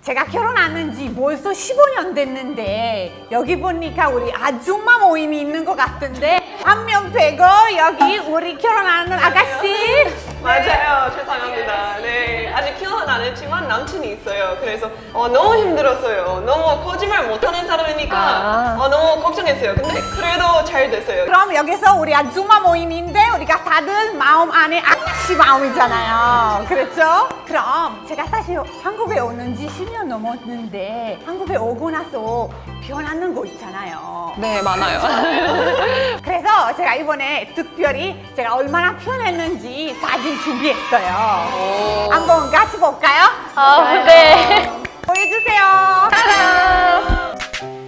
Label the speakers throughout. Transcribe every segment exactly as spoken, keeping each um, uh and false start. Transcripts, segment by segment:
Speaker 1: 제가 결혼한 지 벌써 십오 년 됐는데 여기 보니까 우리 아줌마 모임이 있는 것 같은데 한 명 빼고 여기 우리 결혼하는 아가씨.
Speaker 2: 맞아요. 죄송합니다. 네, 아직 결혼 안 했지만 남친이 있어요. 그래서 어, 너무 힘들었어요. 너무 거짓말 못하는 사람이니까
Speaker 3: 아.
Speaker 2: 어, 너무 걱정했어요. 근데 그래도 잘 됐어요.
Speaker 1: 그럼 여기서 우리 아줌마 모임인데 우리가 다들 마음 안에 아가씨 마음이잖아요. 그렇죠? 그럼 제가 사실 한국에 오는 지 십 년 넘었는데 한국에 오고 나서 변하는 거 있잖아요.
Speaker 3: 네, 많아요.
Speaker 1: 그래서 제가 이번에 특별히 제가 얼마나 변했는지 사진 준비했어요. 한번 같이 볼까요?
Speaker 4: 아, 네.
Speaker 1: 보여주세요.
Speaker 3: 짜잔!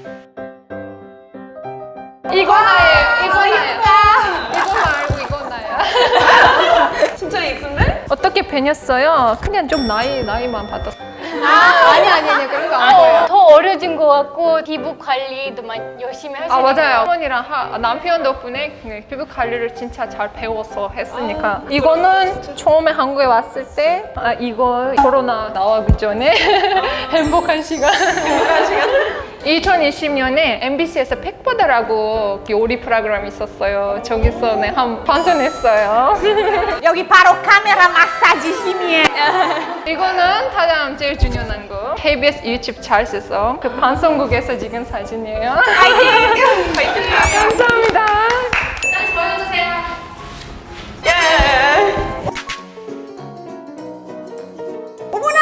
Speaker 3: 이거 나예요, 이거 나예요. 이거 말고 이거 나예요.
Speaker 2: 진짜 이쁜데?
Speaker 3: 어떻게 변했어요? 그냥 좀 나이, 나이만 받았어.
Speaker 4: 아,
Speaker 3: 아니, 아니, 아니, 그런 거 아니에요.
Speaker 4: 더 어려진 것 같고 피부 관리도 많이 열심히 하시는
Speaker 3: 아,
Speaker 4: 것
Speaker 3: 맞아요. 어머니랑 하, 남편 덕분에 그 피부 관리를 진짜 잘 배워서 했으니까. 이거는 처음에 한국에 왔을 때, 아, 이거 코로나 나오기 전에 행복한 시간.
Speaker 2: 행복한 시간?
Speaker 3: 이천이십 년에 엠비씨에서 팩보다라고 요리 프로그램이 있었어요. 저기서 네, 한 방송했어요.
Speaker 1: 여기 바로 카메라 마사지 힘이에요.
Speaker 3: 이거는 가장 제일 중요한 거. 케이비에스 유튜브 잘 써서 그 방송국에서 찍은 사진이에요.
Speaker 1: 파이팅!
Speaker 2: 파이팅!
Speaker 3: 감사합니다.
Speaker 2: 예!
Speaker 1: 어머나!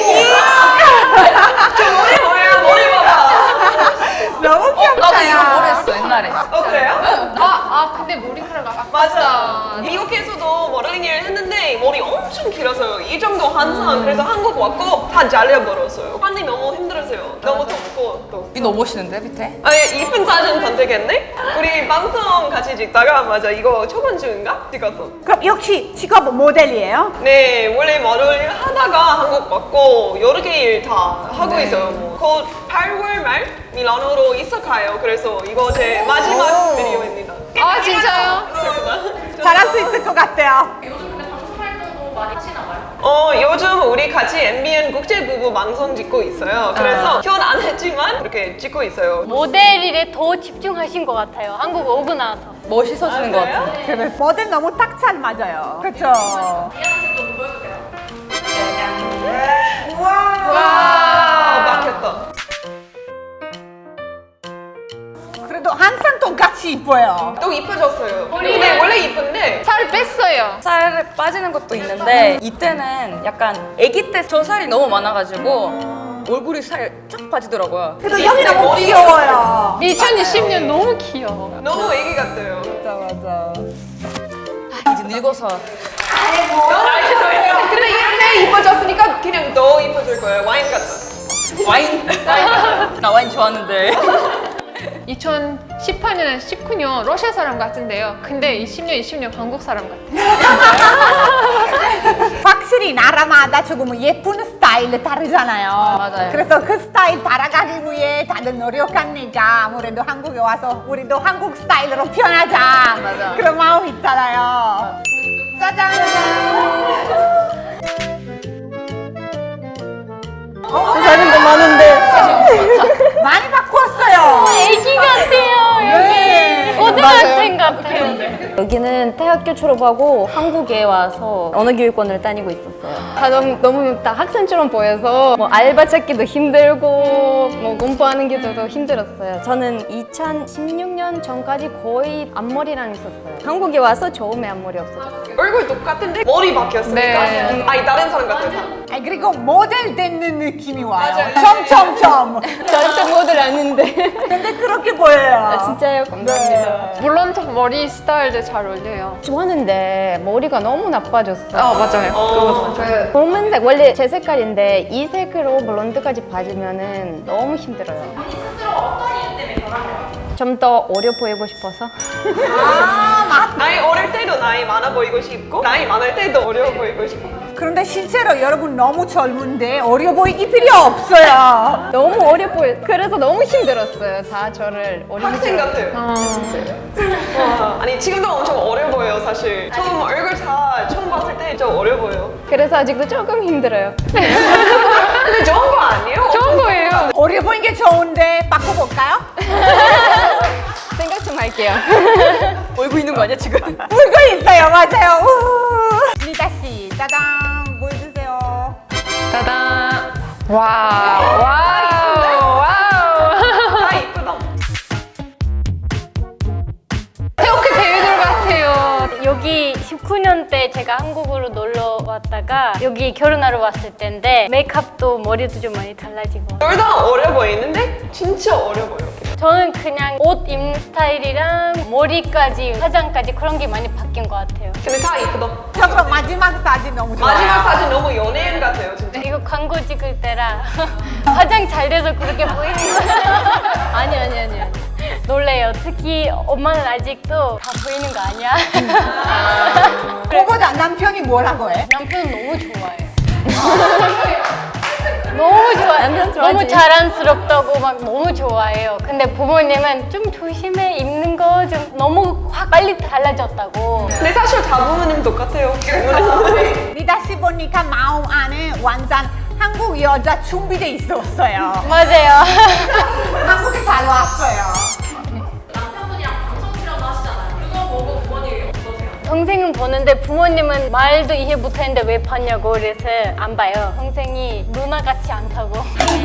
Speaker 2: 저 머리 뭐야? 머리 봐봐.
Speaker 1: 너무 귀엽다.
Speaker 5: 나도 이런 걸 했어 옛날에.
Speaker 2: 어, 그래요?
Speaker 3: 아, 아 근데 머리카락 아깝다.
Speaker 2: 맞아. 미국에서도 모델링 일 했는데 머리 엄청 길어서요. 이 정도 한상. 그래서 한국 왔고 다 잘려버렸어요. 환이 너무 힘들었어요. 너무 덥고 또.
Speaker 5: 이 너무 멋있는데 밑에?
Speaker 2: 아니 이쁜 사진 선택했네? 우리 방송 같이 찍다가 맞아 이거 저번 주인가? 찍었어.
Speaker 1: 그럼 역시 직업 모델이에요?
Speaker 2: 네 원래 모델 하다가 한국 왔고 여러 개 일 다 하고 있어요. 뭐. 곧 팔월 말 밀라노로 이사가요. 그래서 이거 제 마지막 비디오입니다.
Speaker 3: 아, 진짜요?
Speaker 2: 슬프다.
Speaker 1: 잘할 수 있을 것 같아요.
Speaker 2: 어 요즘 우리 같이 엠비엔 국제부부 방송 찍고 있어요. 그래서 결혼 안 했지만 이렇게 찍고 있어요.
Speaker 4: 모델 일에 더 집중하신 것 같아요. 한국 오고 나서.
Speaker 5: 멋있어지는 것 같아.
Speaker 1: 그래. 모델 너무 딱 잘 맞아요. 그렇죠?
Speaker 2: 와 막혔다.
Speaker 1: 그래도 항상 똑같이 이뻐요.
Speaker 2: 또 이뻐졌어요. 근데 원래 이쁜데
Speaker 3: 살 뺐어요.
Speaker 5: 살 빠지는 것도 있는데 이때는 약간 아기 때 저 살이 너무 많아가지고 얼굴이 살 쫙 빠지더라고요.
Speaker 1: 그래도 여기 너무 귀여워요.
Speaker 3: 이천이십 년 너무 귀여워.
Speaker 2: 너무 애기 같아요.
Speaker 1: 맞아, 맞아.
Speaker 5: 아, 이제 늙어서
Speaker 2: 근데 이렇게 이뻐졌으니까 그냥 더 이뻐질 거예요. 와인 같다.
Speaker 5: 와인 나 와인 좋아하는데.
Speaker 3: 이천십팔 년에 십구 년 러시아 사람 같은데요. 근데 이십 년, 이십 년 한국 사람 같아요.
Speaker 1: 확실히 나라마다 조금 예쁜 스타일 다르잖아요.
Speaker 5: 맞아요.
Speaker 1: 그래서 그 스타일 따라가기 위해 다들 노력하니까 아무래도 한국에 와서 우리도 한국 스타일로 변하자.
Speaker 5: 맞아.
Speaker 1: 그런 마음 있잖아요. 짜잔! 어, 사진도 많은데. 많이 바꿨어요.
Speaker 4: 애기 같아요,
Speaker 1: 네.
Speaker 4: 여기. 고등학생 같아요.
Speaker 6: 여기는 대학교 졸업하고 한국에 와서 언어 교육원을 다니고 있었어요. 다 너무, 너무 다 학생처럼 보여서 뭐 알바 찾기도 힘들고 뭐 공부하는 게 더 힘들었어요. 저는 이천십육 년 전까지 거의 앞머리랑 있었어요. 한국에 와서 처음에 앞머리 없어졌어요.
Speaker 2: 얼굴 똑같은데 머리 바뀌었으니까
Speaker 3: 네.
Speaker 2: 아니 다른 사람 같아요.
Speaker 1: 아니, 그리고 모델 되는 느낌이 와요. 점점점.
Speaker 6: 절대 모델 아닌데.
Speaker 1: 근데 그렇게 보여요.
Speaker 6: 아, 진짜요? 감사합니다.
Speaker 3: 물론 저 머리 스타일도 잘 어울려요.
Speaker 6: 좋았는데 머리가 너무 나빠졌어.
Speaker 3: 아, 맞아요.
Speaker 2: 어,
Speaker 3: 그
Speaker 6: 검은색 원래 제 색깔인데 이 색으로 블론드까지 빠지면은 너무 힘들어요. 좀 더 어려 보이고 싶어서.
Speaker 2: 나이 어릴 때도 나이 많아 보이고 싶고 나이 많을 때도 어려 보이고 싶고.
Speaker 1: 그런데 실제로 여러분 너무 젊은데 어려 보이기 필요 없어요.
Speaker 6: 너무 어려 보여. 그래서 너무 힘들었어요. 다 저를 어린
Speaker 2: 학생 같아요.
Speaker 3: 어.
Speaker 2: 와, 아니 지금도 엄청 어려 보여요 사실. 처음 얼굴 다 처음 봤을 때 좀 어려 보여.
Speaker 6: 그래서 아직도 조금 힘들어요.
Speaker 2: 근데 좋은 거 아니에요?
Speaker 1: 할까요?
Speaker 6: 생각 좀 할게요.
Speaker 5: 울고 있는 거 아니야 지금?
Speaker 1: 울고 있어요, 맞아요. 우. 리다 씨, 짜잔, 보여주세요.
Speaker 3: 따단. 와우, 와우, 와우.
Speaker 2: 아 이쁘다.
Speaker 3: 태국의 배우들 같아요.
Speaker 4: 여기 십구 년 때 제가 한국으로 놀러 왔다가 여기 결혼하러 왔을 때인데 메이크업도 머리도 좀 많이 달라지고
Speaker 2: 둘 다 어려 보이는데 진짜 어려 보여.
Speaker 4: 저는 그냥 옷 입는 스타일이랑 머리까지 화장까지 그런 게 많이 바뀐 것 같아요.
Speaker 2: 근데 다 이쁘다.
Speaker 1: 저 그럼 마지막 사진 너무 좋아요.
Speaker 2: 마지막 사진 너무 연예인 같아요 진짜.
Speaker 4: 이거 광고 찍을 때라 화장 잘 돼서 그렇게 보이는 거예요.
Speaker 6: 아니 아니 아니. 아니.
Speaker 4: 놀래요. 특히 엄마는 아직도 다 보이는 거 아니야?
Speaker 1: 그거보다 남편이 뭐라고 해?
Speaker 4: 남편은 너무 좋아해요. 너무 좋아요.
Speaker 6: 남편 좋아하지.
Speaker 4: 너무 자랑스럽다고 막 너무 좋아해요. 근데 부모님은 좀 조심해 입는 거 좀 너무 확 빨리 달라졌다고.
Speaker 2: 근데 사실 다 부모님 똑같아요.
Speaker 1: 리다 씨 보니까 마음 안에 완전 한국 여자 준비돼 있었어요.
Speaker 4: 맞아요.
Speaker 1: 한국에 잘 왔어요.
Speaker 4: 동생은 보는데 부모님은 말도 이해 못하는데 왜 봤냐고 그래서 안 봐요. 동생이 누나같이 않다고.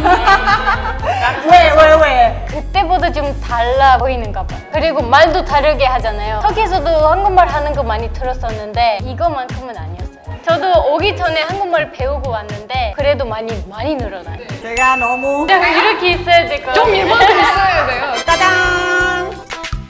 Speaker 1: 왜, 왜, 왜?
Speaker 4: 그때보다 좀 달라 보이는가 봐요. 그리고 말도 다르게 하잖아요. 터키에서도 한국말 하는 거 많이 들었었는데 이거만큼은 아니었어요. 저도 오기 전에 한국말 배우고 왔는데 그래도 많이 많이 늘어나요.
Speaker 1: 제가 너무
Speaker 4: 제가 이렇게 있어야 될 것 같아요.
Speaker 3: 좀 이만큼 있어야 돼요.
Speaker 1: 짜잔!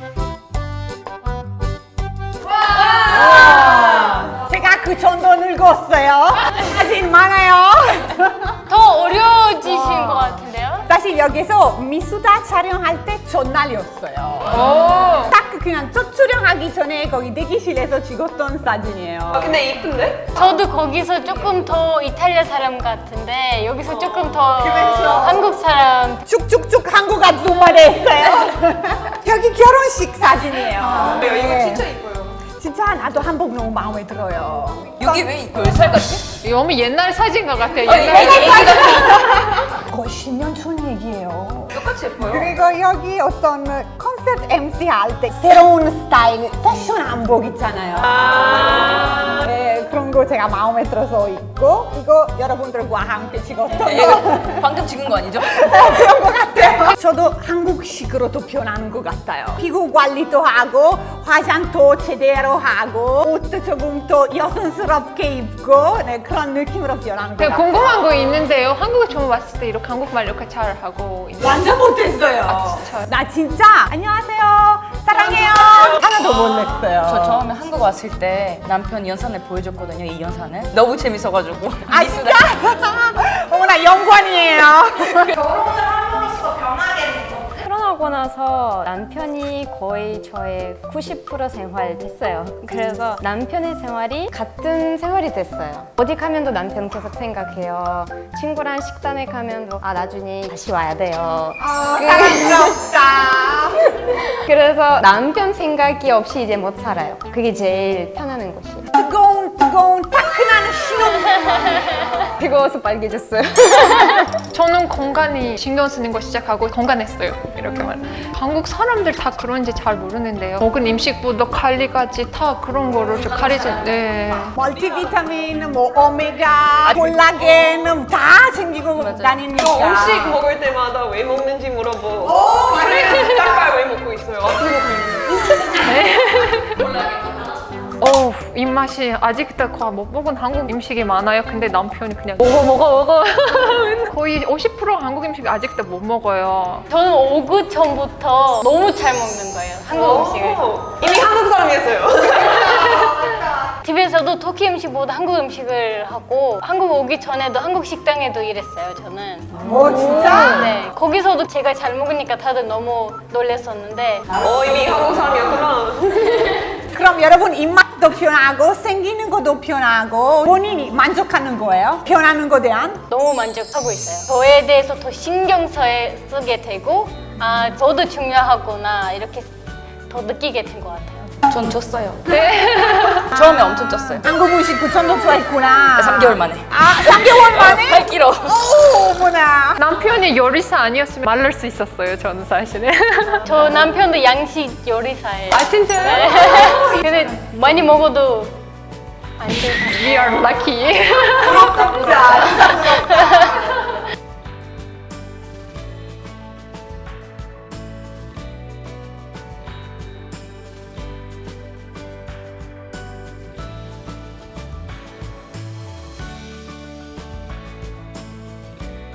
Speaker 1: 제가 그 정도 늙었어요. 사진 많아요.
Speaker 4: 더 어려워지신 것 같은데요?
Speaker 1: 사실 여기서 미수다 촬영할 때 전날이었어요.
Speaker 3: 오.
Speaker 1: 딱 그냥 첫 촬영하기 전에 거기 대기실에서 찍었던
Speaker 2: 아
Speaker 1: 사진이에요.
Speaker 2: 근데 이쁜데?
Speaker 4: 저도 거기서 조금 더 이탈리아 사람 같은데 여기서 조금 더
Speaker 1: 그렇죠.
Speaker 4: 한국 사람.
Speaker 1: 쭉쭉쭉 한국 아줌마를 했어요. 여기 결혼식 사진이에요.
Speaker 2: 네, 이거
Speaker 1: 네.
Speaker 2: 진짜 이뻐요.
Speaker 1: 진짜 나도 한복 너무 마음에 들어요.
Speaker 5: 여기 왜 열 살 같지?
Speaker 3: 너무 옛날 사진 것 같아요.
Speaker 5: 아니,
Speaker 3: 옛날
Speaker 5: 애기, 애기
Speaker 1: 거의 십 년 전 얘기예요.
Speaker 2: 똑같이 예뻐요.
Speaker 1: 그리고 여기 어떤 컨셉 엠씨 할 때 새로운 스타일 패션 한복 있잖아요.
Speaker 2: 아.
Speaker 1: 네, 그런 거 제가 마음에 들어서 입고 이거 여러분들과 함께 찍었던
Speaker 5: 이거
Speaker 1: 거.
Speaker 5: 방금 찍은 거 아니죠?
Speaker 1: 그런 것 같아요. 저도 한국식으로 또 변하는 것 같아요. 피부 관리도 하고 화장도 제대로 하고 옷도 조금 더 여성스럽게 입고 네, 그런 느낌으로 변하는 것
Speaker 3: 제가
Speaker 1: 같아요.
Speaker 3: 궁금한 거 있는데요. 한국에 처음 왔을 때 이렇게 한국말 이렇게 잘 하고 있는
Speaker 1: 완전 못했어요.
Speaker 3: 아, 진짜요?
Speaker 1: 나 진짜 안녕하세요 사랑해요 하나도 못 냈어요.
Speaker 5: 저 처음에 한국 왔을 때 남편 연산을 보여줬거든요. 이 연산을 너무 재밌어가지고.
Speaker 1: 아 진짜? 어머나 영광이에요.
Speaker 6: 결혼하고 나서 남편이 거의 저의 구십 퍼센트 생활 됐어요. 그래서 남편의 생활이 같은 생활이 됐어요. 어디 가면도 남편 계속 생각해요. 친구랑 식당에 가면도 아 나중에 다시 와야 돼요.
Speaker 1: 아, 사랑스럽다.
Speaker 6: 그래서 남편 생각이 없이 이제 못 살아요. 그게 제일 편안한 것이.
Speaker 1: 뜨거운 뜨거운 따끈한 신혼.
Speaker 6: 뜨거워서 빨개졌어요.
Speaker 3: 저는 건강이 신경 쓰는 거 시작하고 건강했어요. 이렇게 말. 한국 사람들 다 그런지 잘 모르는데요. 먹은 음식부터 관리까지 다 그런 거를 좀 가리지. 네.
Speaker 1: 멀티비타민, 뭐 오메가, 콜라겐 다 챙기고 다니니까.
Speaker 2: 저 음식 먹을 때마다 왜 먹는지 물어보고 그래 닭발 왜 먹고 있어요? 아픈 거 있는데.
Speaker 3: 어 입맛이 아직도 거의 못 먹은 한국 음식이 많아요. 근데 남편이 그냥 먹어 먹어 먹어. 거의 오십 퍼센트 한국 음식 아직도 못 먹어요.
Speaker 4: 저는 오구 전부터 너무 잘 먹는 거예요. 한국 음식을.
Speaker 2: 오, 이미 한국 사람이었어요.
Speaker 4: 집에서도 터키 음식보다 한국 음식을 하고 한국 오기 전에도 한국 식당에도 일했어요. 저는.
Speaker 1: 오 진짜?
Speaker 4: 네. 거기서도 제가 잘 먹으니까 다들 너무 놀랐었는데
Speaker 2: 어 이미 한국 사람이었구나.
Speaker 1: 그럼 여러분 입맛도 변하고 생기는 것도 변하고 본인이 만족하는 거예요? 변하는 거에 대한?
Speaker 4: 너무 만족하고 있어요. 저에 대해서 더 신경 써- 쓰게 되고 아 저도 중요하구나 이렇게 더 느끼게 된 것 같아요.
Speaker 5: 전 쪘어요. 처음에 엄청 쪘어요.
Speaker 1: 한국 음식 그 정도 좋아했구나.
Speaker 5: 삼 개월 만에.
Speaker 1: 아 삼 개월 만에?
Speaker 5: 팔 킬로그램.
Speaker 1: 오 어머나.
Speaker 3: 남편이 남편이 요리사 아니었으면 말릴 수 있었어요, 저는 사실은.
Speaker 4: 저 남편도 양식 요리사예요.
Speaker 3: 아, 진짜요?
Speaker 4: 네. 근데 많이 먹어도 안 좋아요.
Speaker 3: We are lucky.
Speaker 1: 부럽다, 진짜.